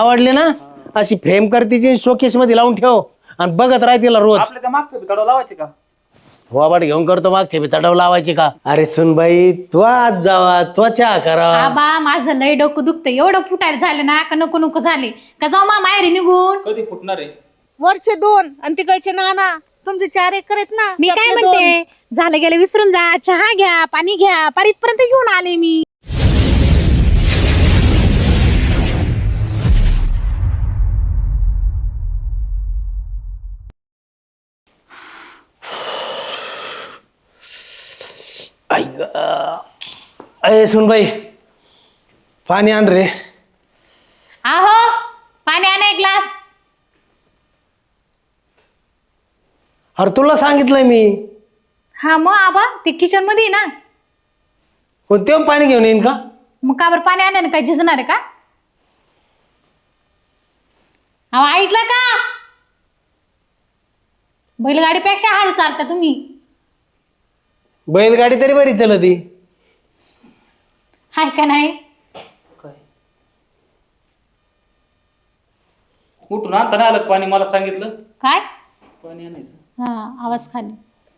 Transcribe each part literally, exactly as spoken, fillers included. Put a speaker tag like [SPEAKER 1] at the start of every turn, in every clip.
[SPEAKER 1] आवडले ना अशी फ्रेम करतीची शोकेस मध्ये लावून ठेव आणि बघत राह तिला रोज.
[SPEAKER 2] आपल्या त्या मागच्या तडव लावायचे का?
[SPEAKER 1] वाबाट घेऊन करतो मागचे बी तडव लावायची का? अरे सुनबाई तू आज जावा त्वचा करा.
[SPEAKER 3] आबा माझं लय डोकं दुखतं, एवढं फुटायला झालं ना का नको नको झाले का जाऊ मा माहेरी निघून.
[SPEAKER 2] कधी फुटणार आहे?
[SPEAKER 4] वरचे दोन आणि तिकडचे नाना तुमचे चार एकर आहेत ना.
[SPEAKER 3] मी काय
[SPEAKER 4] त्यातले
[SPEAKER 3] म्हणते, झालं गेलं विसरून जा, चहा घ्या पाणी घ्या, पार इथपर्यंत घेऊन आले मी.
[SPEAKER 1] अरे सुनबाई पाणी आण रे.
[SPEAKER 3] आहो पाणी आणा एक ग्लास.
[SPEAKER 1] अरे तुला सांगितलंय मी.
[SPEAKER 3] हा मग आबा ते किचन मध्ये आहे ना.
[SPEAKER 1] कोणते पाणी घेऊन येईन का?
[SPEAKER 3] मग का बरं पाणी आणा, काय झिजणार आहे का? अहो ऐकलं का? बैलगाडीपेक्षा हळू चालता तुम्ही.
[SPEAKER 1] बैलगाडी तरी बरी चलती.
[SPEAKER 3] हाय का नाही?
[SPEAKER 2] काय कुठून आणता नाही आलं पाणी? मला सांगितलं
[SPEAKER 3] काय?
[SPEAKER 2] पाणी आणायचं.
[SPEAKER 3] हा आवाज खाली.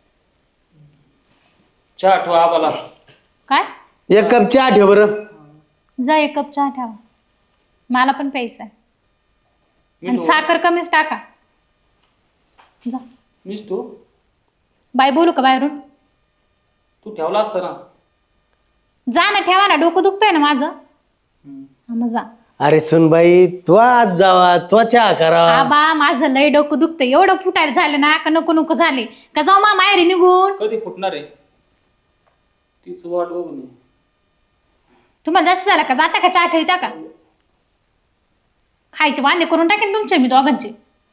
[SPEAKER 2] चहा ठेवा आबाला.
[SPEAKER 3] काय?
[SPEAKER 1] एक कप चहा ठेव बरं.
[SPEAKER 3] जा एक कप चहा ठेवा, मला पण प्यायचा आहे. आणि
[SPEAKER 2] मीठ
[SPEAKER 3] साखर कमीच टाका. जा.
[SPEAKER 2] मीच तू
[SPEAKER 3] बाय बोलू का बाहेरून?
[SPEAKER 2] तू ठेवला असता ना.
[SPEAKER 3] जा ना, ठेवा ना, डोकं दुखतंय ना माझं.
[SPEAKER 2] हम्म.
[SPEAKER 3] हा मग जा.
[SPEAKER 1] अरे सुनबाई तू आज जावा त्वचा करा.
[SPEAKER 3] आबा माझं लय डोकं दुखतंय, एवढं फुटायला झालं ना का नको नको झाले का जाऊ मा माहेरी निघून.
[SPEAKER 2] कधी फुटणार आहे? तीच वाट बघून आहे.
[SPEAKER 3] तुम्हाला जास्त झालं का जाता का चहा ठेवता का? खायचे वांदे करून टाकेन तुमचे मी दोघांचे.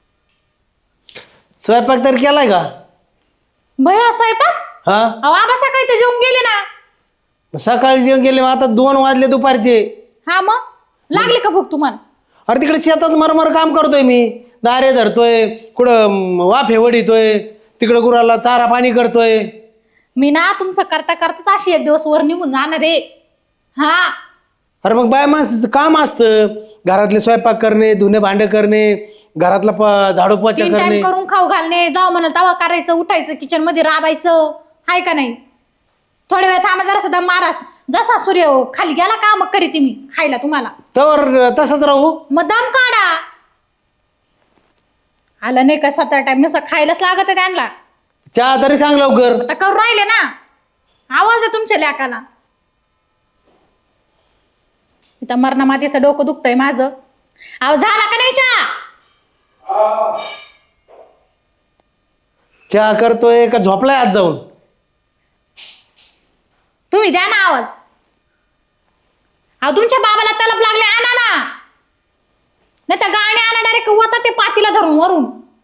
[SPEAKER 1] स्वयंपाक तर केलाय का?
[SPEAKER 3] भया स्वयंपाक?
[SPEAKER 1] हा
[SPEAKER 3] अहो आबा सकाळी तर जेवून गेले ना.
[SPEAKER 1] सकाळी जेवण गेले, आता दोन वाजले दुपारचे.
[SPEAKER 3] हा मग लागली का भूक तुम्हाला?
[SPEAKER 1] अरे तिकडे शेतात मरमर काम करतोय मी. दारे धरतोय, कुठं वाफे वडीतोय, तिकडं गुराला चारा पाणी करतोय.
[SPEAKER 3] मी ना तुमचं करता करताच अशी एक दिवस वर निघून जाणार रे. हा
[SPEAKER 1] अरे मग बाय माणसाचं काम असतं, घरातले स्वयंपाक करणे, धुणे भांडे करणे, घरातला प झाडू पोचा
[SPEAKER 3] तीन
[SPEAKER 1] करणे.
[SPEAKER 3] टाइम करून खाऊ घालणे, जाऊ म्हणाल तवा करायचं, उठायचं, किचन मध्ये राबायचं. हाय का नाही? थोड्या वेळ थांबा जरा सुद्धा मारास, जसा सूर्य खाली गेला का मग करीते मी खायला तुम्हाला.
[SPEAKER 1] तर तसंच राहू.
[SPEAKER 3] मग दम काढा. आलं नाही का सतरा टाइम नुसतं खायलाच लागत आहे त्यांना.
[SPEAKER 1] चहा तरी सांग लवकर.
[SPEAKER 3] आता करून राहिले ना. आवाज आहे तुमच्या लेकाला. इथं मरणा मातीचं डोकं दुखतंय माझं. आवाज झाला का नाही चहा?
[SPEAKER 1] चहा करतोय का झोपलाय आज जाऊन?
[SPEAKER 3] तुम्ही द्या ना आवाज. अहो तुमच्या बाबाला तलप लागले, आणा ना. नाही तर गाणे आणा डायरेक्ट वता ते पातीला धरून वरून.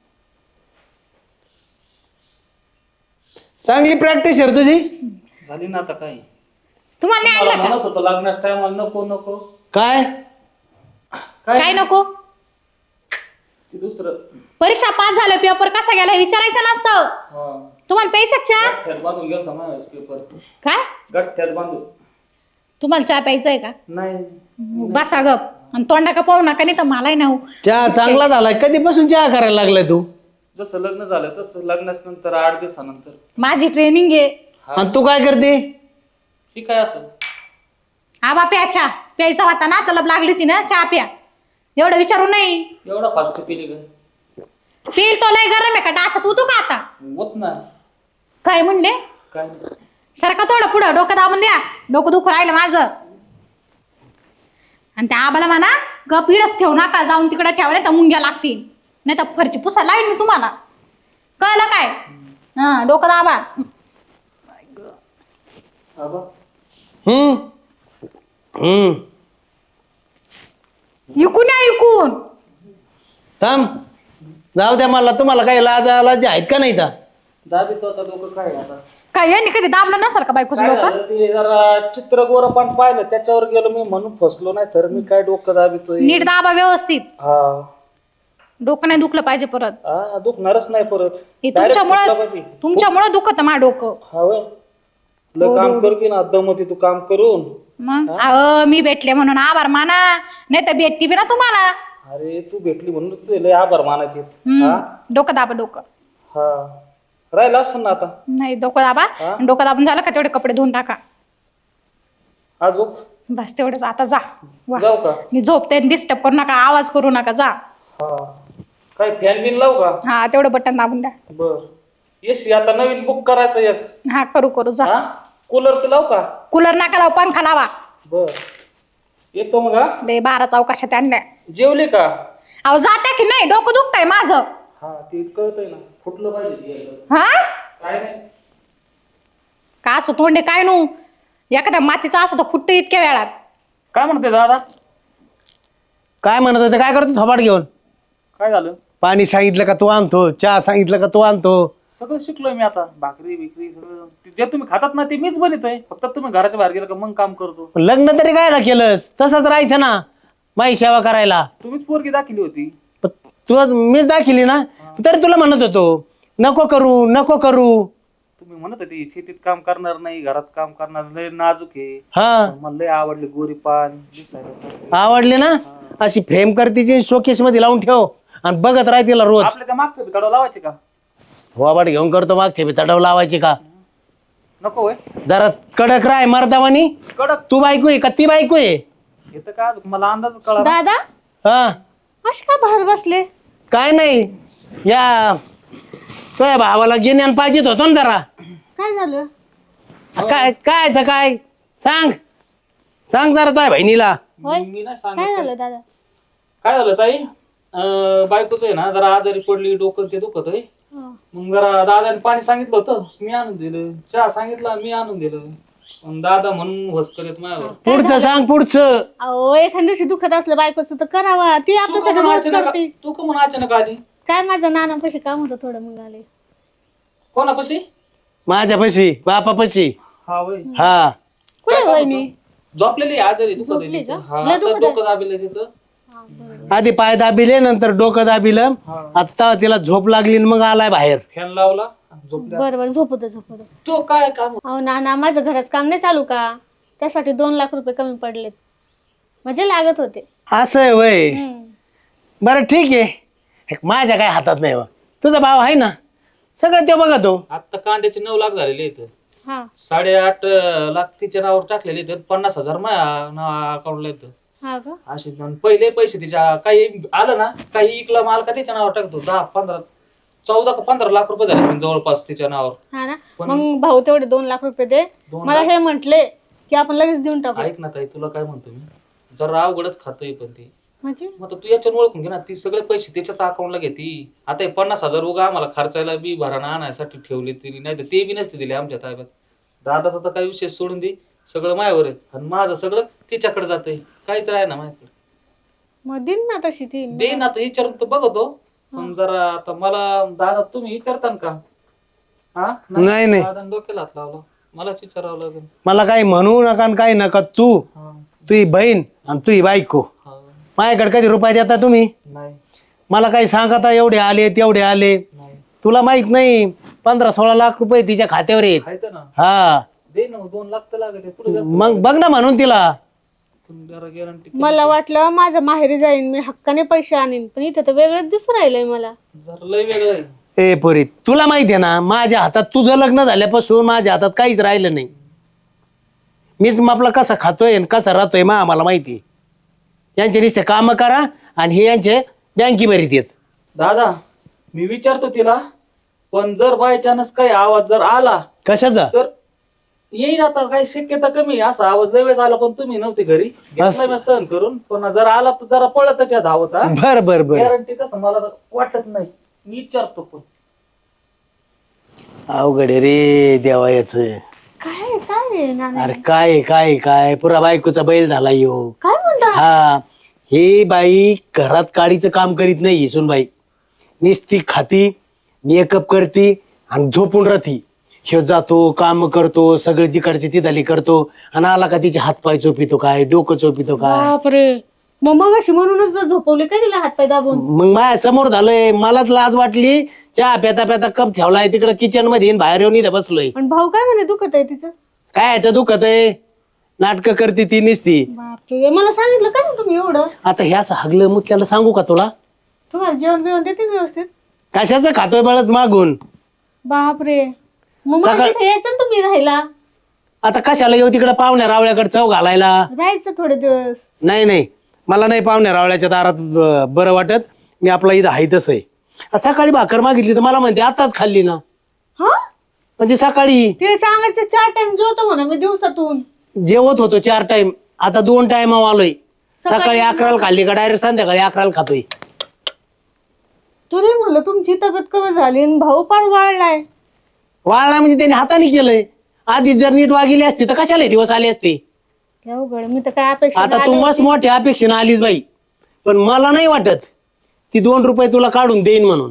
[SPEAKER 1] चांगली प्रॅक्टिस आहे रे तुझी.
[SPEAKER 2] झाली ना आता काय?
[SPEAKER 3] तुम्हाला नाही
[SPEAKER 2] मला
[SPEAKER 3] आणलं का?
[SPEAKER 2] म्हणत होतं लग्नाच्या टायमाला नको नको.
[SPEAKER 1] काय
[SPEAKER 3] काय नको?
[SPEAKER 2] ते दुसरं
[SPEAKER 3] परीक्षा पास झालं, पेपर कसा गेला हे विचारायचं नसतं.
[SPEAKER 2] हा
[SPEAKER 3] तुम्हाला प्यायचा चहा?
[SPEAKER 2] गठ्ठ्यात बांधून गेलता माझ्या पेपर.
[SPEAKER 3] काय?
[SPEAKER 2] गठ्ठ्यात बांधून.
[SPEAKER 3] तुम्हाला चहा प्यायचा आहे का?
[SPEAKER 2] नाही
[SPEAKER 3] बसा गप आणि तोंडा का पाहू नका, नाही तर मलाही नाही.
[SPEAKER 1] चहा चांगला झालाय. कधीपासून चहा करायला लागलाय तू?
[SPEAKER 2] जसं लग्न झालं तसं लग्नाच्या नंतर आठ दिवसानंतर.
[SPEAKER 3] माझी ट्रेनिंग आहे.
[SPEAKER 1] आणि तू काय करते?
[SPEAKER 2] ही काय असं?
[SPEAKER 3] आबा प्या चहा. प्यायचा होता ना, तलब लागली होती ना, चहा प्या. एवढं विचारू नाही.
[SPEAKER 2] एवढा फास्ट पिली का?
[SPEAKER 3] पेल तो लय गरम आहे का? डाचत होतो का आता?
[SPEAKER 2] होत नाही.
[SPEAKER 3] काय म्हणले?
[SPEAKER 2] काय नाही.
[SPEAKER 3] सारखा थोडं पुढं डोकं दाबून द्या. डोकं दुखू राहिलं माझं. आणि त्या आबाला म्हणा गप इडच ठेवू नका, जाऊन तिकडे ठेवा नाही तर मुंग्या लागतील, नाही तर फरची पुसा लावीन मी तुम्हाला. कळलं काय? हा डोकं दाबा.
[SPEAKER 2] आबा
[SPEAKER 1] हम्म हम्म
[SPEAKER 3] इकून या इकून.
[SPEAKER 1] थांब जाऊ द्या मला. तुम्हाला काही लाज लाज आहेत का नाही? तर
[SPEAKER 2] दाबी तो आता डोकं काय आहे आता?
[SPEAKER 3] काय यांनी कधी दाबलं नसेल का बायकोचं
[SPEAKER 2] काय
[SPEAKER 3] डोकं?
[SPEAKER 2] झालं ते जरा चित्र गोरपान पाहिलं त्याच्यावर गेलो मी म्हणून फसलो, नाही तर मी काय डोकं दाबितोय.
[SPEAKER 3] नीट दाबा व्यवस्थित.
[SPEAKER 2] हा
[SPEAKER 3] डोकं नाही दुखलं पाहिजे परत.
[SPEAKER 2] हा दुखणारच नाही परत.
[SPEAKER 3] हे
[SPEAKER 2] Direct फसला
[SPEAKER 3] तुमच्यामुळं
[SPEAKER 2] पाहिजे.
[SPEAKER 3] तुमच्यामुळं दुखत माझं डोकं.
[SPEAKER 2] हा होय. तुला काम करते ना दमती तू काम करून.
[SPEAKER 3] मग अहो मी भेटले म्हणून आभार माना, नाही तर भेटती बी ना तुम्हाला.
[SPEAKER 2] अरे तू भेटली म्हणून तुझे लय आभार मानायचे
[SPEAKER 3] हम्म, डोकं दाबा डोकं.
[SPEAKER 2] हा राहिला असं ना आता
[SPEAKER 3] नाही डोकं दाबा.
[SPEAKER 2] हा?
[SPEAKER 3] डोकं दाबून झालं का तेवढे कपडे धुवून टाका.
[SPEAKER 2] अजून
[SPEAKER 3] बस तेवढंच, आता जा. वा.
[SPEAKER 2] जाऊ का?
[SPEAKER 3] मी झोपते, डिस्टर्ब करू नका, आवाज करू नका, जा.
[SPEAKER 2] हा काय फॅन बिन लावू का?
[SPEAKER 3] हा तेवढं बटन दाबून द्या.
[SPEAKER 2] बर एसी आता नवीन बुक करायचं एक.
[SPEAKER 3] हा करू करू जा.
[SPEAKER 2] हा कूलर तर लावू का?
[SPEAKER 3] कूलर नका लावू, पंखा लावा.
[SPEAKER 2] बर येतो मग. हा
[SPEAKER 3] लय बारा चौकाशात आणल्या.
[SPEAKER 2] जेवले का?
[SPEAKER 3] अहो जाते की नाही, डोकं दुखतंय माझं.
[SPEAKER 2] हा ते कळतंय ना, फुटलं पाहिजे ते.
[SPEAKER 3] हा
[SPEAKER 2] काय नाही
[SPEAKER 3] का असं तोंडे काय नू, एखाद्या मातीचं असं तर फुटतं इतक्या वेळात.
[SPEAKER 2] काय म्हणते दादा?
[SPEAKER 1] काय म्हणत होते, काय करतो थोबाड घेऊन?
[SPEAKER 2] काय झालं?
[SPEAKER 1] पाणी सांगितलं का तू आणतो, चहा सांगितलं का तू आणतो.
[SPEAKER 2] सगळं शिकलोय मी आता, भाकरी बिकरी सगळं ते जे तुम्ही खातात ना ते मीच बनवतोय, फक्त तुम्ही घराच्या बाहेर गेला का मग काम करतो.
[SPEAKER 1] पण लग्न तरी कायला केलंस? तसंच राहायचं ना माई सेवा करायला.
[SPEAKER 2] तुम्हीच पोरगी दाखिली होती.
[SPEAKER 1] पण तू मीच दाखिली ना, तरी तुला म्हणत होतो नको करू नको करू.
[SPEAKER 2] तुम्ही म्हणत होती शेतीत काम करणार नाही, घरात काम करणार, लय नाजूक आहे.
[SPEAKER 1] हा
[SPEAKER 2] पण मला लय आवडली गोरी पान दिसायला चांगली.
[SPEAKER 1] आवडले ना, अशी फ्रेम करतीची शोकेश मध्ये लावून ठेव आणि बघत राह तिला रोज.
[SPEAKER 2] आपल्या त्या मागच्या भिताडा लावायचे का?
[SPEAKER 1] थोबाड घेऊन करतो मागचे बी चढव लावायची का?
[SPEAKER 2] नको होय.
[SPEAKER 1] जरा कडक राय मर्दावानी.
[SPEAKER 2] कडक
[SPEAKER 1] तू बायको आहे का ती बायको आहे?
[SPEAKER 2] येतं का मला अंदाज कळा.
[SPEAKER 4] दादा
[SPEAKER 1] हा
[SPEAKER 4] असे का बाहेर बसले?
[SPEAKER 1] काय नाही, या तुझ्या भावाला गिन्यान पाहिजेत होतो ना जरा.
[SPEAKER 4] काय झालं?
[SPEAKER 1] काय कायच काय सांग सांग जरा तुझ्या बहिणीला.
[SPEAKER 4] होय?
[SPEAKER 2] मी नाही
[SPEAKER 4] काय
[SPEAKER 2] सांगितलं.
[SPEAKER 4] झालं दादा?
[SPEAKER 2] काय झालं ताई? अं, बायकोच आहे ना जरा आजारी पडली, डोकं ते दुखत आहे.
[SPEAKER 4] हा.
[SPEAKER 2] मग जरा दादाने पाणी सांगितलं होतं, मी आणून दिलं. चहा सांगितला, मी आणून दिलं. मग दादा म्हणून वसकर येत माझ्यावर.
[SPEAKER 1] पुढचं सांग पुढचं.
[SPEAKER 4] अहो एखाद्या दिवशी दुखत असलं बायकोचं तर करावा, ती
[SPEAKER 2] तू
[SPEAKER 4] आपल्यासाठी
[SPEAKER 2] का म्हणून
[SPEAKER 4] रोज
[SPEAKER 2] अचानक
[SPEAKER 4] करते.
[SPEAKER 2] तू का म्हणून अचानक आली?
[SPEAKER 4] काय माझं नानापाशी काम होतं थोडं, मग आले.
[SPEAKER 2] कोणापाशी?
[SPEAKER 1] माझ्यापाशी बापापाशी.
[SPEAKER 2] हा वय
[SPEAKER 1] हा
[SPEAKER 4] कुठे वहिनी?
[SPEAKER 2] झोपलेली आहे, आजारी दुखत आहे
[SPEAKER 4] झोपली
[SPEAKER 2] तिचं.
[SPEAKER 4] का?
[SPEAKER 2] हा,
[SPEAKER 4] लय
[SPEAKER 2] आता
[SPEAKER 4] दुखत आहे?
[SPEAKER 2] डोकं दाबिलं तिचं.
[SPEAKER 4] हा, बरं.
[SPEAKER 1] आधी पाय दाबिले नंतर डोकं दाबिलं.
[SPEAKER 2] हा.
[SPEAKER 1] आता तिला झोप लागली आणि मग आलाय बाहेर.
[SPEAKER 2] फॅन लावला, झोपल्या.
[SPEAKER 4] बरं बरं झोपू दे झोपू दे.
[SPEAKER 2] तो काय काम?
[SPEAKER 4] अहो नाना माझं घराचं काम नाही चालू का, त्यासाठी दोन लाख रुपये कमी पडलेत, म्हणजे लागत होते.
[SPEAKER 1] असं आहे वय.
[SPEAKER 4] हम्म.
[SPEAKER 1] बरं ठीक आहे, हे माझ्या काय हातात नाही बा. तुझा भाव आहे ना, सगळं ते बघतो.
[SPEAKER 2] आता कांद्याचे नऊ लाख झालेले आहेत.
[SPEAKER 4] हा
[SPEAKER 2] साडेआठ लाख तिच्या नावावर टाकलेले आहेत. पन्नास हजार माझ्या अकाउंटला येतं.
[SPEAKER 4] हा का?
[SPEAKER 2] असे पहिले पैसे तिच्या काही आलं ना, काही इकला माल का तिच्या नावावर टाकतो. दहा पंधरा चौदा का पंधरा लाख रुपये झाले असतील जवळपास तिच्या नावावर.
[SPEAKER 4] हा ना,
[SPEAKER 2] पण-
[SPEAKER 4] मग भाऊ तेवढे दोन लाख रुपये दे.
[SPEAKER 2] दोन
[SPEAKER 4] मला
[SPEAKER 2] लाख?
[SPEAKER 4] हे म्हंटले की आपण लगेच देऊन टाकू.
[SPEAKER 2] ऐक ना ताई, तुला काय म्हणतो मी, जरा अवघडच खातोय पण ती.
[SPEAKER 4] म्हणजे
[SPEAKER 2] मग आता तू याच्यानं ओळखून घे ना, ती सगळे पैसे त्याच्याच अकाउंटला घेती. आता हे पन्नास हजार उगा आम्हाला खर्चायला बी भराणा आणायसाठी ठेवले तरी, नाही तर ते बी नसते दिले आमच्या ताब्यात. दादाचा तर काही विषय सोडून दे, सगळं माझ्यावर आहे आणि माझं सगळं तिच्याकडे जातंय, काहीच राह ना माझ्याकडे.
[SPEAKER 4] मग दिन ना तशी ती.
[SPEAKER 2] दे ना, आता विचारून तर बघतो. पण जरा आता मला दादा तुम्ही विचारता का? हा
[SPEAKER 1] नाही, नाही.
[SPEAKER 2] दादा डोक्याला हात लावला, मलाच विचारावं लागेल.
[SPEAKER 1] मला काही म्हणू नका आणि काही नका. तू
[SPEAKER 2] हा
[SPEAKER 1] तुझी बहीण आणि तुझी बायको
[SPEAKER 2] हा
[SPEAKER 1] माझ्याकडे कधी रुपये देता तुम्ही?
[SPEAKER 2] नाही
[SPEAKER 1] मला काही सांगता एवढे आले तेवढे आले.
[SPEAKER 2] नाही
[SPEAKER 1] तुला माहित नाही, पंधरा सोळा लाख रुपये तिच्या खात्यावर येत.
[SPEAKER 2] खायचं ना,
[SPEAKER 1] हा
[SPEAKER 2] दे ना, दोन लाख तर लागत पुढे जास्त.
[SPEAKER 1] मग बघ ना म्हणून तिला.
[SPEAKER 2] पण जरा गॅरंटी
[SPEAKER 4] मला वाटलं माझं माहेरी जाईन मी हक्काने पैसे आणीन, पण इथं तर वेगळंच दिसून राहिलंय मला.
[SPEAKER 2] जरा लय वेगळं आहे.
[SPEAKER 1] ए पोरी, तुला माहिती आहे ना, माझ्या हातात तुझं लग्न झाल्यापासून माझ्या हातात काहीच राहिलं नाही. मीच आपला कसा खातोय आणि कसा राहतोय मा आम्हाला माहिती. यांचे नुसते काम करा आणि हे यांचे बँकी भरीत येत.
[SPEAKER 2] दादा मी विचारतो तिला, पण जर बाय चान्स काही आवाज जर आला
[SPEAKER 1] कशाचा?
[SPEAKER 2] तर येईल. आता काही शक्यता कमी आहे. असा आवाज वेळेस आला पण तुम्ही नव्हते घरी, घेतला मी सहन करून. पण जर आला तर जरा पळत त्याच्या धावत.
[SPEAKER 1] बर बर बर.
[SPEAKER 2] गॅरंटी कसं मला तर वाटत नाही, मी विचारतो. पण
[SPEAKER 1] अवघड आहे रे देवा याच.
[SPEAKER 4] काय काय आहे नाना?
[SPEAKER 1] अरे काय आहे, काय आहे, काय पुरा बायकोचा बैल झाला यो.
[SPEAKER 4] काय म्हणता?
[SPEAKER 1] हा, ही बाई घरात काडीचं काम करीत नाही. हिसून बाई निस्ती खाती, मेकअप करती आणि झोपून राहती. ह्यो जातो काम करतो, सगळं जिकडची तिथली करतो आणि आला का तिचे हातपाय चोपितो काय, डोकं चोपितो काय.
[SPEAKER 4] बापरे, मग मग अशी म्हणूनच झोपवले काय तिला हातपाय दाबून?
[SPEAKER 1] मग माझ्या समोर झालंय, मलाच लाज वाटली. चहा प्याता प्याता कप ठेवलाय तिकडे किचन मध्ये, बाहेर येऊन इथं बसलोय.
[SPEAKER 4] पण भाऊ काय म्हणे दुखत आहे तिचं?
[SPEAKER 1] काय याचं दुखत आहे? नाटकं करते ती निसती.
[SPEAKER 4] बापरे, मला सांगितलं का नाही तुम्ही एवढं?
[SPEAKER 1] आता ह्याच हागलं मुतल्याला सांगू का तुला?
[SPEAKER 4] तुम्हाला जेवण बिवण देते व्यवस्थित?
[SPEAKER 1] कशाचं खातोय बळच मागून?
[SPEAKER 4] बापरे, मग मला
[SPEAKER 1] सकाळ-
[SPEAKER 4] इथे यायचं ना तुम्ही राहायला.
[SPEAKER 1] आता कशाला येऊ तिकडे पाहुण्या रावळ्याकडे चव घालायला?
[SPEAKER 4] राहायचं थोडे दिवस.
[SPEAKER 1] नाही नाही, मला नाही पाहुण्या रावळ्याच्या दारात ब- बरं वाटत. मी आपला इथं आहे तसं आहे. सकाळी भाकर मागितली तर मला म्हणते आताच खाल्ली ना.
[SPEAKER 4] हा,
[SPEAKER 1] म्हणजे सकाळी
[SPEAKER 4] ते सांगायचं चार टाइम जेवतो म्हणा मी दिवसातून.
[SPEAKER 1] जेवत होतो चार टाइम, आता दोन टाइम आलोय. सकाळी अकराला खाल्ली का डायरेक्ट संध्याकाळी अकराला खातोय.
[SPEAKER 4] तरी म्हणलं तुमची तब्येत कमी झाली आणि भाऊ पण वाढलाय.
[SPEAKER 1] वाळला म्हणजे त्यांनी हाताने केलंय. आधी जर नीट वागिली असती तर कशाला हे दिवस आले असते?
[SPEAKER 4] अवघड, मी तर काय अपेक्षा
[SPEAKER 1] आता तू मस्त मोठ्या अपेक्षेनं आलीस बाई, पण मला नाही वाटत ती दोन रुपये तुला काढून देईन म्हणून.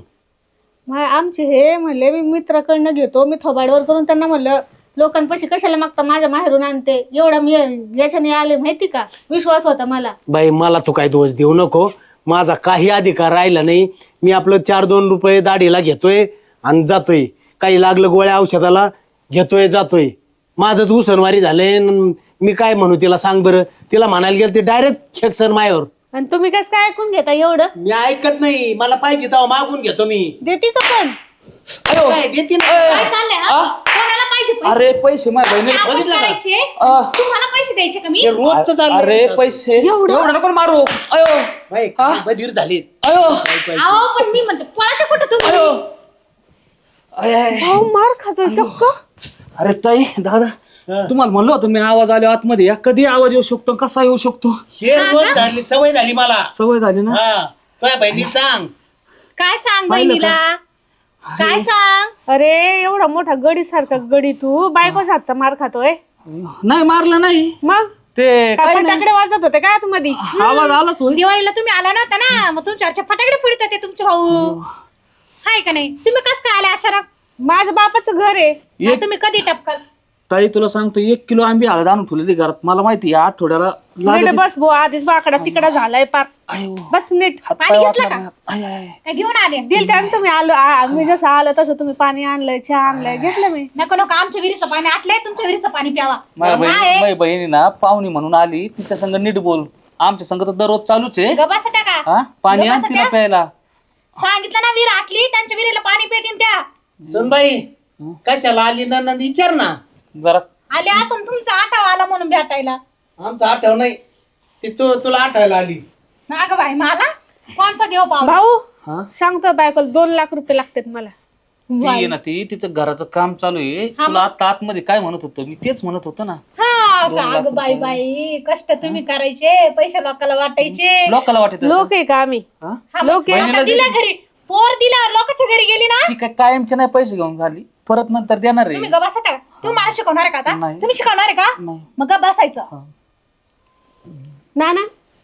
[SPEAKER 4] आमचे हे म्हणले मी मित्राकडनं घेतो, मी थोबाडवर करून त्यांना म्हणलं लोकांपाशी कशाला मागता, माझ्या माहेरून आणते. एवढा मी याच्याने आले माहिती का, विश्वास होता मला.
[SPEAKER 1] बाई मला तू काय दोष देऊ नको, माझा काही अधिकार राहिला नाही. मी आपलं चार दोन रुपये दाढीला घेतोय आणि जातोय. काही लागलं गोळ्या औषधाला घेतोय जातोय. माझंच उसनवारी झालंय. न मी काय म्हणू तिला सांग बरं? तिला म्हणायला गेलं ते डायरेक्ट खेकसन मायावर.
[SPEAKER 4] आणि तुम्ही कसं काय ऐकून घेता एवढं?
[SPEAKER 1] मी ऐकत नाही, मला पाहिजे तेव्हा मागून घेतो मी.
[SPEAKER 4] देते का पण?
[SPEAKER 1] काय देते ना?
[SPEAKER 3] काय चाललंय हा? कोणाला पाहिजे पैसे?
[SPEAKER 2] अरे पैसे माझ्या बहिणीला
[SPEAKER 3] आपण
[SPEAKER 1] बघितलं का?
[SPEAKER 3] करायचे?
[SPEAKER 2] आ.
[SPEAKER 3] तुम्हाला पैसे द्यायचे का मी?
[SPEAKER 1] हे रोजचं चाललंय
[SPEAKER 2] अरे
[SPEAKER 1] यांचं.
[SPEAKER 2] पैसे एवढं नको मारू. अयो
[SPEAKER 1] बाई, काय बधीर झालीत.
[SPEAKER 2] अयो
[SPEAKER 3] अहो पण मी म्हणते पळा ते कुठं तुम्ही?
[SPEAKER 2] अयो अय, अय.
[SPEAKER 4] भाऊ मार खातोय चक्क.
[SPEAKER 2] अरे ताई दादा,
[SPEAKER 1] हा.
[SPEAKER 2] तुम्हाला म्हणलं होतं मी आवाज आलो आतमध्ये या. कधी आवाज येऊ शकतो, कसा येऊ शकतो?
[SPEAKER 1] हे रोज झाली, सवय झाली मला.
[SPEAKER 2] सवय झाली ना.
[SPEAKER 1] हा, तुझ्या बहिणी सांग.
[SPEAKER 3] काय सांग
[SPEAKER 2] पाहिलं
[SPEAKER 3] बहिणीला? काय सांग?
[SPEAKER 4] अरे एवढा मोठा गडी सारखा गडी, तू बायकोच हातचा मार खातोय.
[SPEAKER 2] नाही मारलं नाही
[SPEAKER 4] मग
[SPEAKER 2] ते काय नाही.
[SPEAKER 4] फटाकडे वाजत होते काय आतमध्ये?
[SPEAKER 2] आवाज आलाच होय.
[SPEAKER 3] दिवाळीला तुम्ही आला नव्हता ना, मग तुमच्यावरच्या फटाकडे फोडत होते तुमचे भाऊ. हाय का नाही? तुम्ही कस काय आले अचानक?
[SPEAKER 4] माझं बापाचं घर आहे.
[SPEAKER 2] एक
[SPEAKER 3] तुम्ही कधी टपकाल?
[SPEAKER 2] ताई तुला सांगतो, एक किलो आंबे हळद आणून ठेवलेली घरात. मला माहिती या आठवड्याला
[SPEAKER 4] नीट
[SPEAKER 2] लागत.
[SPEAKER 4] बस भो, आधीच वाकडा तिकडा झालाय पार.
[SPEAKER 2] आयो
[SPEAKER 4] बस नीट.
[SPEAKER 2] हात
[SPEAKER 3] पाणी
[SPEAKER 2] पाय
[SPEAKER 3] घेतलं
[SPEAKER 2] वाकणार
[SPEAKER 3] का?
[SPEAKER 2] नाही. आय, आय.
[SPEAKER 3] काय घेऊन आले?
[SPEAKER 4] दिल त्यानं तुम्ही आलो, आ- मी जसं आलं तसं तुम्ही पाणी आणलंय, चहा आणलाय, घेतलं मी.
[SPEAKER 3] नको नको, आमच्या विहिरीचं पाणी आटलंय, तुमच्या विहिरीचं पाणी प्यावा.
[SPEAKER 2] माझ्या बहिणी
[SPEAKER 3] काय?
[SPEAKER 2] माझ्या बहिणी ना पाहुणी म्हणून आली, तिच्या संग नीट बोल. आमच्या संग तर दररोज चालूच आहे.
[SPEAKER 3] गबासा त्या का?
[SPEAKER 2] हा पाणी
[SPEAKER 3] गप्पा
[SPEAKER 2] आणते ना
[SPEAKER 3] सध्या?
[SPEAKER 2] प्यायला.
[SPEAKER 3] सांगितलं ना विहीर आटली, त्यांच्या विहिरीला पाणी पितील त्या.
[SPEAKER 1] सुनबाई कशाला आली ना नंद विचार ना.
[SPEAKER 2] जरा
[SPEAKER 3] आले असं तुमचा आठावा आला म्हणून भेटायला.
[SPEAKER 1] आमचं आठव नाही, ती तू तुला आठवायला आली.
[SPEAKER 3] अगं बाई, मला कोणचा देव पाव?
[SPEAKER 4] भाऊ
[SPEAKER 2] हा
[SPEAKER 4] सांगतो बायकोला दोन लाख रुपये लागतात मला.
[SPEAKER 2] ती आहे ना, ती तिचं घराचं काम चालू आहे. तुला आता आतमध्ये काय म्हणत होतं मी, तेच म्हणत होतो ना.
[SPEAKER 3] हा
[SPEAKER 2] दोन
[SPEAKER 3] का?
[SPEAKER 2] लाख
[SPEAKER 3] अगं बाई बाई, कष्ट तुम्ही करायचे, पैसे लोकांना वाटायचे.
[SPEAKER 2] लोकाला वाटत
[SPEAKER 4] लोक आहे का आम्ही?
[SPEAKER 2] हा?
[SPEAKER 3] हा, मग आता दिला घरी, पोर दिला, लोकांच्या घरी गेली ना.
[SPEAKER 2] ती काय कायमचे नाही पैसे घेऊन झाली, परत नंतर देणार
[SPEAKER 3] तुम्ही
[SPEAKER 2] आहे.
[SPEAKER 3] गबासा का? तू मला शिकवणार आहे का आता?
[SPEAKER 2] नाही.
[SPEAKER 3] तुम्ही शिकवणार आहे का?
[SPEAKER 2] नाही.
[SPEAKER 3] मग गप बसायचं.
[SPEAKER 4] नाना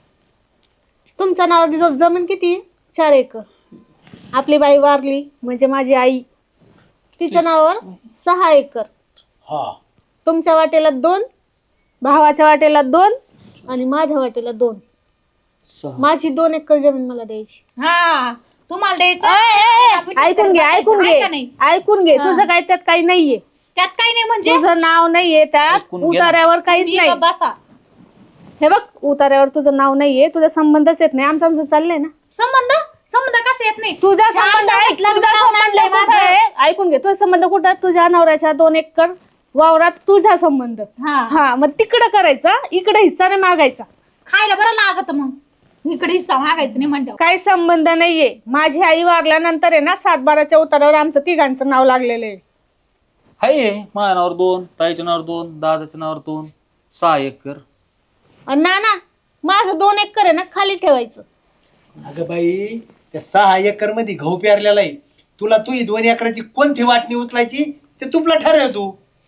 [SPEAKER 4] तुमच्या नावाची ज- जमीन किती आहे? चार एकर. आपली बाई वारली म्हणजे माझी आई, तिच्या नावावर सहा एकर.
[SPEAKER 1] हा,
[SPEAKER 4] तुमच्या वाटेला दोन, भावाच्या वाटेला दोन आणि माझ्या वाटेला दोन.
[SPEAKER 2] सहा.
[SPEAKER 4] माझी दोन एकर जमीन मला द्यायची.
[SPEAKER 3] हा, तुम्हाला द्यायचं.
[SPEAKER 4] ए, ए,
[SPEAKER 3] आपण
[SPEAKER 4] ए, ऐकून घे
[SPEAKER 3] बसायचं,
[SPEAKER 4] ऐकून
[SPEAKER 3] आहे का
[SPEAKER 4] घे
[SPEAKER 3] नाही?
[SPEAKER 4] ऐकून घे. तुझं काय त्यात काही नाहीये,
[SPEAKER 3] त्यात काही नाही म्हणजे
[SPEAKER 4] तुझं नाव नाहीये त्यात,
[SPEAKER 2] ऐकून घे ना.
[SPEAKER 4] उतार्यावर काहीच
[SPEAKER 3] तुम्ही
[SPEAKER 4] नाही.
[SPEAKER 3] गप बसा.
[SPEAKER 4] हे बघ, उतार्यावर तुझं नाव नाहीये, तुझा संबंधच येत नाही. आमचं आमचं चाललंय ना.
[SPEAKER 3] संबंध संबंध कसं येत नाही?
[SPEAKER 4] तुझा
[SPEAKER 3] चार
[SPEAKER 4] संबंध
[SPEAKER 3] चार
[SPEAKER 4] आहे,
[SPEAKER 3] घेतलं,
[SPEAKER 4] तुझा
[SPEAKER 3] नाव
[SPEAKER 4] संबंध
[SPEAKER 3] आणलंय
[SPEAKER 4] कुठं
[SPEAKER 3] माझं.
[SPEAKER 4] आहे? ऐकून घे, तुझा संबंध कुठं आहे? तुझ्या नवऱ्याच्या दोन एकर वावरात तुझा संबंध.
[SPEAKER 3] हा,
[SPEAKER 4] हा, मग तिकडं करायचा, इकडे हिस्सा नाही मागायचा.
[SPEAKER 3] खायला बरं लागत मग. इकडे हिस्सा मागायचं नाही म्हणतो.
[SPEAKER 4] काही संबंध नाहीये. माझी आई वारल्यानंतर आहे ना, सातबाराच्या उतारावर आमचं तिघांचं नाव लागलेलं आहे.
[SPEAKER 2] हाय माझ्या नावावर दोन, ताईच्या नावावर दोन, दादाच्या नावावर दोन, सहा एकर.
[SPEAKER 4] आणि ना ना माझं दोन एकर आहे ना, खाली ठेवायचं.
[SPEAKER 1] अगं बाई, त्या सहा एकर मध्ये गहू पेरलेला आहे. तुला तू ही दोन एकराची कोणती वाटणी उचलायची ते तुला ठरव. तू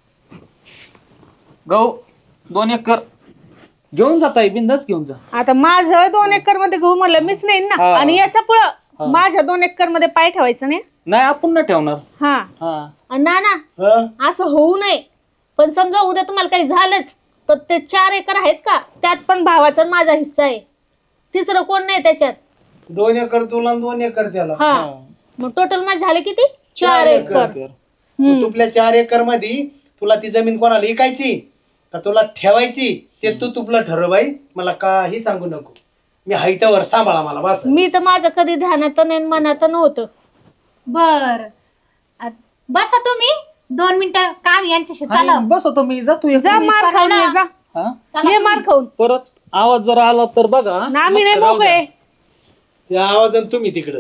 [SPEAKER 2] गहू दोन एकर घेऊन जात आहे, बिंदास घेऊन जा.
[SPEAKER 4] आता माझं दोन एकर मध्ये गहू म्हणलं मीच नाही ना,
[SPEAKER 2] हा.
[SPEAKER 4] आणि याच्या पुढं माझ्या दोन एकर मध्ये पाय ठेवायचं नाही.
[SPEAKER 2] नाही आपण नाही ठेवणार.
[SPEAKER 4] हा,
[SPEAKER 2] हा
[SPEAKER 4] आणि ना ना
[SPEAKER 1] हं?
[SPEAKER 4] असं होऊ नये. पण समजा उद्या तुम्हाला काही झालंच तर ते चार एकर आहेत का, त्यात पण भावाचा आणि माझा हिस्सा आहे. तिसरं कोण नाही त्याच्यात.
[SPEAKER 1] दोन एकर तुला आणि दोन एकर त्याला.
[SPEAKER 4] हा, मग टोटल माझे झाले किती? चार
[SPEAKER 1] चार एकर.
[SPEAKER 4] एकर. हम्म.
[SPEAKER 1] तुपल्या चार एकर मध्ये तुला ती जमीन कोणाला विकायची का तुला ठेवायची ते तू तुपलं ठरव बाई, मला काही सांगू नको. मी हायत्यावर सांभाळा मला बस.
[SPEAKER 4] मी तर माझं कधी ध्यानात नाही मनात नव्हतं.
[SPEAKER 3] बर आ- बसा तुम्ही दोन मिनिटं काम यांच्याशी चालव.
[SPEAKER 2] आणि बसवतो मी जातो एक.
[SPEAKER 4] जा मार खाऊन ये, जा
[SPEAKER 2] हा
[SPEAKER 4] ये मार खाऊन.
[SPEAKER 2] परत आवाज जर आला तर बघा.
[SPEAKER 4] ना आम्ही नाही
[SPEAKER 2] लक्ष राहू द्या.
[SPEAKER 4] मोकळे.
[SPEAKER 1] त्या आवाजान तुम्ही तिकडं.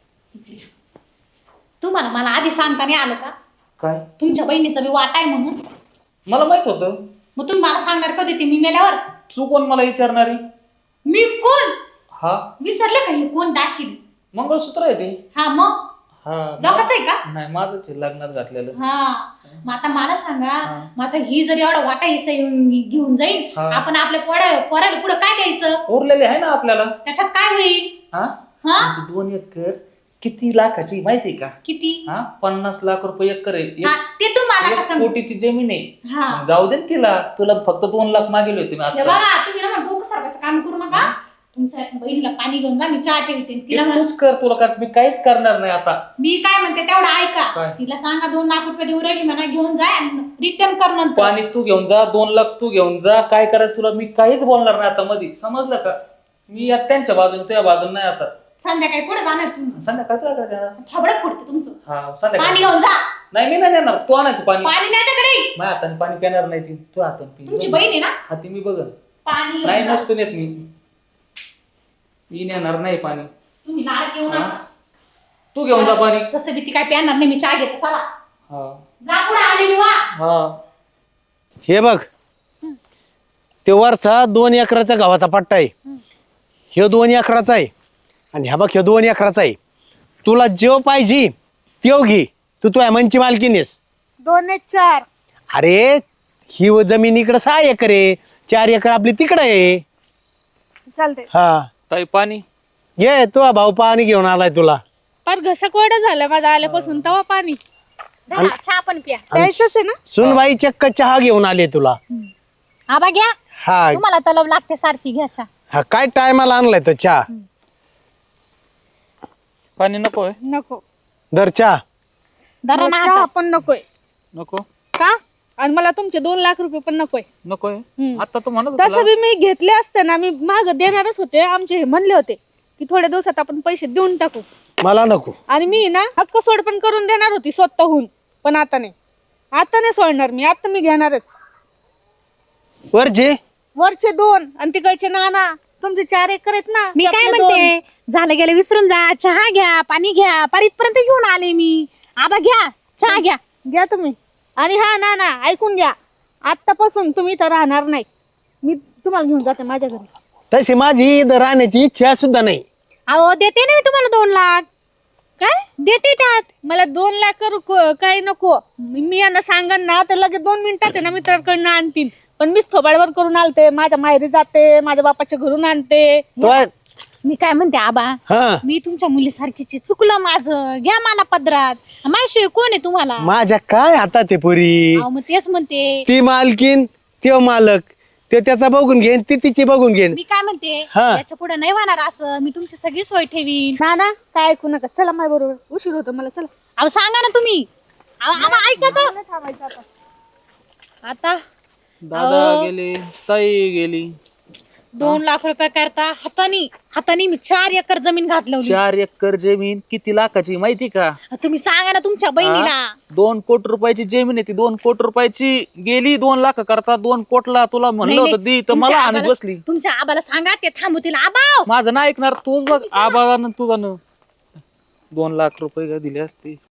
[SPEAKER 3] तुम्हाला मला आधी सांगता नाही आलं का
[SPEAKER 2] काय
[SPEAKER 3] तुमच्या बहिणीचा मी वाटा आहे म्हणून?
[SPEAKER 2] मला माहित होतं.
[SPEAKER 3] मग तुम्ही मला सांगणार कधी ते मी मेल्यावर?
[SPEAKER 2] तू कोण मला विचारणारी?
[SPEAKER 3] मी कोण
[SPEAKER 2] हा
[SPEAKER 3] विसरले का हे कोण दाखील?
[SPEAKER 2] मंगळसूत्र आहे ते.
[SPEAKER 3] हा मग
[SPEAKER 2] हा
[SPEAKER 3] लोकांचं आहे का?
[SPEAKER 2] नाही माझंच आहे, लग्नात घातलेलं.
[SPEAKER 3] हा मग आता मला सांगा,
[SPEAKER 2] हा.
[SPEAKER 3] मग आता ही जर एवढा वाटा हिस्सा येऊन घेऊन जाईल,
[SPEAKER 2] हा.
[SPEAKER 3] आपण आपल्या पोरा पोराला पुढे काय द्यायचं?
[SPEAKER 2] उरलेले आहे ना आपल्याला.
[SPEAKER 3] त्याच्यात काय होईल?
[SPEAKER 2] हा
[SPEAKER 3] हा
[SPEAKER 2] ती दोन एकर किती लाखाची माहिती का?
[SPEAKER 3] किती?
[SPEAKER 2] हा पन्नास लाख रुपये एकर आहे. एक-
[SPEAKER 3] हा ते तुम्हाला
[SPEAKER 2] एक
[SPEAKER 3] का सांगू?
[SPEAKER 2] कोटीची जमीन आहे.
[SPEAKER 3] हा
[SPEAKER 2] मग जाऊ दे ना तिला. तुला फक्त दोन लाख मागेल होते मी
[SPEAKER 3] हे
[SPEAKER 2] आता.
[SPEAKER 3] बघा तुम्ही ना डोकं सारखाचं काम करू नका. तुमच्या बहिणीला पाणी घेऊन जा, मी चहा ठेवते
[SPEAKER 2] ते
[SPEAKER 3] तिला म्हण-
[SPEAKER 2] तूच कर, तुला कर, मी काहीच करणार नाही आता.
[SPEAKER 3] मी काय म्हणते तेवढं ऐका.
[SPEAKER 2] काय?
[SPEAKER 3] तिला सांगा दोन लाख रुपये देऊ राहिली म्हणा, घेऊन जा रिटर्न कर नंतर.
[SPEAKER 2] पाणी तू घेऊन जा, दोन लाख तू घेऊन जा. काय करायचं तुला मी काहीच बोलणार नाही आता मध्ये, समजलं का? मी या त्यांच्या बाजूने तुझ्या बाजूने नाही आता.
[SPEAKER 3] संध्याकाळी पुढे जाणार तुम्ही?
[SPEAKER 2] संध्याकाळी तुला काय देणार?
[SPEAKER 3] थोडं फुटते तुमचं.
[SPEAKER 2] हा
[SPEAKER 3] पाणी
[SPEAKER 2] संध्याकाळी.
[SPEAKER 3] घेऊन जा.
[SPEAKER 2] नाही मी नाही देणार, तू आणायचं पाणी.
[SPEAKER 3] पाणी नाही त्याकडे.
[SPEAKER 2] माझ्या हाताने पाणी पिणार नाही ती, तू हाताने पी.
[SPEAKER 3] तुमची बहीण आहे ना?
[SPEAKER 2] हा ती मी बघन.
[SPEAKER 3] पाणी
[SPEAKER 2] नाही
[SPEAKER 3] घेऊन जा.
[SPEAKER 2] नसतो नेत मी. मी नेणार नाही पाणी.
[SPEAKER 3] तुम्ही लाड घेऊन
[SPEAKER 2] हा?
[SPEAKER 3] नका.
[SPEAKER 2] तू घेऊन जा पाणी.
[SPEAKER 3] तसं बी ती काय प्याणार नाही, मी चहा घेते चला.
[SPEAKER 2] हा
[SPEAKER 3] जा पुढे आलेली वा.
[SPEAKER 2] हा
[SPEAKER 1] हे बघ, ते वरचा दोन एकराचा गव्हाचा पट्टा आहे, ह्यो दोन एकराचा आहे, आणि ह्या बघ ह्यो दोन एकराचा आहे. तुला जेव पाहिजे तेव घे, तू तुझ्या मनची मालकीनेस.
[SPEAKER 4] दोन एक चार.
[SPEAKER 1] अरे ही व जमीन इकडं सहा एकर आहे, चार एकर आपली तिकडं आहे.
[SPEAKER 4] चालते.
[SPEAKER 1] हा
[SPEAKER 2] ताई पाणी.
[SPEAKER 1] घे, तुझा भाऊ पाणी घेऊन आलाय तुला.
[SPEAKER 4] पर घसा कोरडा झाला माझा आल्यापासून, तवा पाणी
[SPEAKER 3] धरा, चहा पण प्या.
[SPEAKER 4] द्यायचंच आहे ना.
[SPEAKER 1] सुनबाई चक्क चहा घेऊन आले तुला.
[SPEAKER 3] आबा घ्या,
[SPEAKER 1] हा
[SPEAKER 3] तुम्हाला तलब लागते सारखी, घ्या चहा.
[SPEAKER 1] हा काय टायमाला आणलाय तो चहा.
[SPEAKER 2] पाणी नकोय.
[SPEAKER 4] नको.
[SPEAKER 1] दर चहा.
[SPEAKER 3] धरा ना
[SPEAKER 4] चहा
[SPEAKER 3] हातात.
[SPEAKER 4] पण नकोय.
[SPEAKER 2] नको
[SPEAKER 4] का? आणि मला तुमचे दोन लाख रुपये पण नकोय.
[SPEAKER 2] नकोय.
[SPEAKER 4] हम्म.
[SPEAKER 2] आता तू म्हणत
[SPEAKER 4] तसं
[SPEAKER 2] होता.
[SPEAKER 4] बी मी घेतले असते ना, मी माग देणारच होते. आमचे हे म्हणले होते की थोड्या दिवसात आपण पैसे देऊन टाकू,
[SPEAKER 1] मला नको.
[SPEAKER 4] आणि मी ना हक्क सोड पण करून देणार होती स्वतःहून, पण आता नाही. आता नाही सोडणार मी, आता मी घेणारच.
[SPEAKER 1] वरचे
[SPEAKER 4] वरचे दोन आणि तिकडचे नाना, तुमचे चार एकर आहेत ना.
[SPEAKER 3] मी काय
[SPEAKER 4] त्यातले दोन.
[SPEAKER 3] म्हणते, झालं गेलं विसरून जा. चहा घ्या, पाणी घ्या, पारीतपर्यंत घेऊन आले मी. आबा घ्या, चहा घ्या.
[SPEAKER 4] घ्या तुम्ही. आणि हा ना ना ऐकून घ्या, आतापासून तुम्ही इथं राहणार नाही. मी तुम्हाला घेऊन जाते माझ्या घरी.
[SPEAKER 1] तशी माझी इथं राहण्याची इच्छा सुद्धा नाही.
[SPEAKER 3] अहो देते ना मी तुम्हाला दोन लाख.
[SPEAKER 4] काय
[SPEAKER 3] देते त्यात.
[SPEAKER 4] मला दोन लाख करू को- काय नको. मी मी यांना सांगन ना तर लगेच दोन मिनिटात आहे ना मित्राकडनं आणतील. पण मीच थोबाडवर करून आलते, माझ्या माहेरी जाते, माझ्या बापाच्या घरून आणते.
[SPEAKER 1] तो
[SPEAKER 3] मी काय म्हणते आबा,
[SPEAKER 1] हा
[SPEAKER 3] मी तुमच्या मुलीसारखीची, चुकलं माझं, घ्या मला पदरात. माझ्याशिवाय कोण आहे तुम्हाला?
[SPEAKER 1] माझ्या काय हातात आहे पुरी.
[SPEAKER 3] अहो मग तेच म्हणते.
[SPEAKER 1] ती मालकीन, त्यो मालक, ते त्याचा बघून घेईन, ती तिची बघून घेईन.
[SPEAKER 3] मी काय म्हणते,
[SPEAKER 1] हा.
[SPEAKER 3] याच्या पुढे नाही होणार असं. मी तुमची सगळी सोय ठेवीन.
[SPEAKER 4] ना ना काय ऐकू नका. चला माझ्या बरोबर, उशीर होतो मला. चला.
[SPEAKER 3] अहो सांगा ना तुम्ही. अहो, आबा ऐका तर.
[SPEAKER 4] नाही थांबायचं आता.
[SPEAKER 3] आता
[SPEAKER 2] दादा
[SPEAKER 3] अहो.
[SPEAKER 2] गेले, ताई गेली.
[SPEAKER 3] दोन लाख रुपये करता हातानी हातानी मी चार एकर जमीन घातलवली.
[SPEAKER 2] चार एकर जमीन किती लाखाची माहिती का?
[SPEAKER 3] तुम्ही सांगा ना तुमच्या बहिणीला.
[SPEAKER 2] दोन कोटी रुपयाची जमीन आहे ती. दोन कोटी रुपयाची गेली दोन लाख करता. दोन कोटला तुला म्हणलं
[SPEAKER 3] नाही,
[SPEAKER 2] होतं दी, तर
[SPEAKER 3] तुमच्या
[SPEAKER 2] मला आणत
[SPEAKER 3] आबाला-
[SPEAKER 2] बसली.
[SPEAKER 3] तुमच्या आबाला सांगा ते थांबवतील. आबा
[SPEAKER 2] माझं नाही ऐकणार. तूच बघ आबाला तुझा न दोन लाख रुपये का दिले असते.